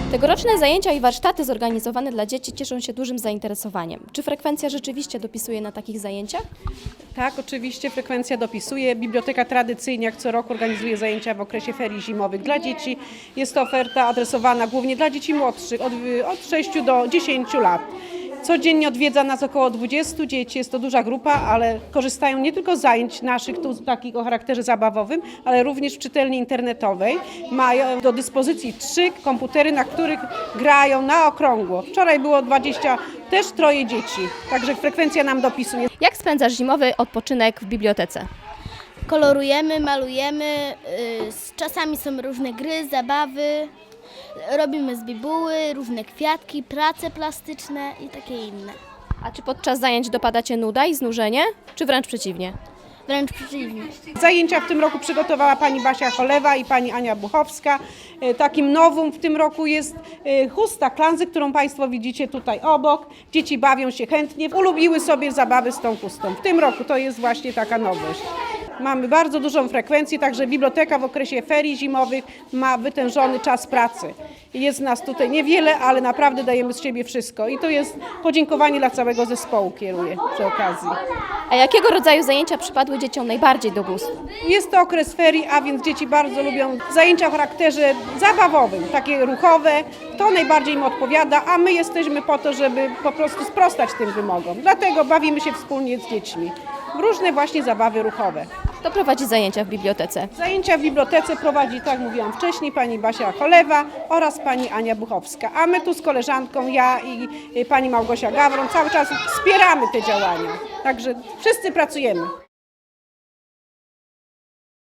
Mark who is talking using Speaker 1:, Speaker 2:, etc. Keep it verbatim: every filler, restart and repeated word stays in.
Speaker 1: Tegoroczne zajęcia i warsztaty zorganizowane dla dzieci cieszą się dużym zainteresowaniem. Czy frekwencja rzeczywiście dopisuje na takich zajęciach?
Speaker 2: Tak, oczywiście frekwencja dopisuje. Biblioteka tradycyjnie jak co roku organizuje zajęcia w okresie ferii zimowych dla dzieci. Jest to oferta adresowana głównie dla dzieci młodszych, od, od sześciu do dziesięciu lat. Codziennie odwiedza nas około dwudziestu dzieci, jest to duża grupa, ale korzystają nie tylko z zajęć naszych, tu takich o charakterze zabawowym, ale również w czytelni internetowej. Mają do dyspozycji trzy komputery, na których grają na okrągło. Wczoraj było dwadzieścia, też troje dzieci, także frekwencja nam dopisuje.
Speaker 1: Jak spędzasz zimowy odpoczynek w bibliotece?
Speaker 3: Kolorujemy, malujemy, y, z- czasami są różne gry, zabawy, robimy z bibuły, różne kwiatki, prace plastyczne i takie inne.
Speaker 1: A czy podczas zajęć dopada Cię nuda i znużenie, czy wręcz przeciwnie?
Speaker 3: Wręcz przeciwnie.
Speaker 2: Zajęcia w tym roku przygotowała pani Basia Cholewa i pani Ania Buchowska. E, Takim nowum w tym roku jest e, chusta klanzy, którą Państwo widzicie tutaj obok. Dzieci bawią się chętnie, ulubiły sobie zabawy z tą chustą. W tym roku to jest właśnie taka nowość. Mamy bardzo dużą frekwencję, także biblioteka w okresie ferii zimowych ma wytężony czas pracy. Jest nas tutaj niewiele, ale naprawdę dajemy z siebie wszystko i to jest podziękowanie dla całego zespołu, kieruję przy okazji.
Speaker 1: A jakiego rodzaju zajęcia przypadły dzieciom najbardziej do gustu?
Speaker 2: Jest to okres ferii, a więc dzieci bardzo lubią zajęcia o charakterze zabawowym, takie ruchowe. To najbardziej im odpowiada, a my jesteśmy po to, żeby po prostu sprostać tym wymogom. Dlatego bawimy się wspólnie z dziećmi w różne właśnie zabawy ruchowe.
Speaker 1: Kto prowadzi zajęcia w bibliotece?
Speaker 2: Zajęcia w bibliotece prowadzi, tak jak mówiłam wcześniej, pani Basia Cholewa oraz pani Ania Buchowska. A my tu z koleżanką, ja i y, pani Małgosia Gawron cały czas wspieramy te działania. Także wszyscy pracujemy.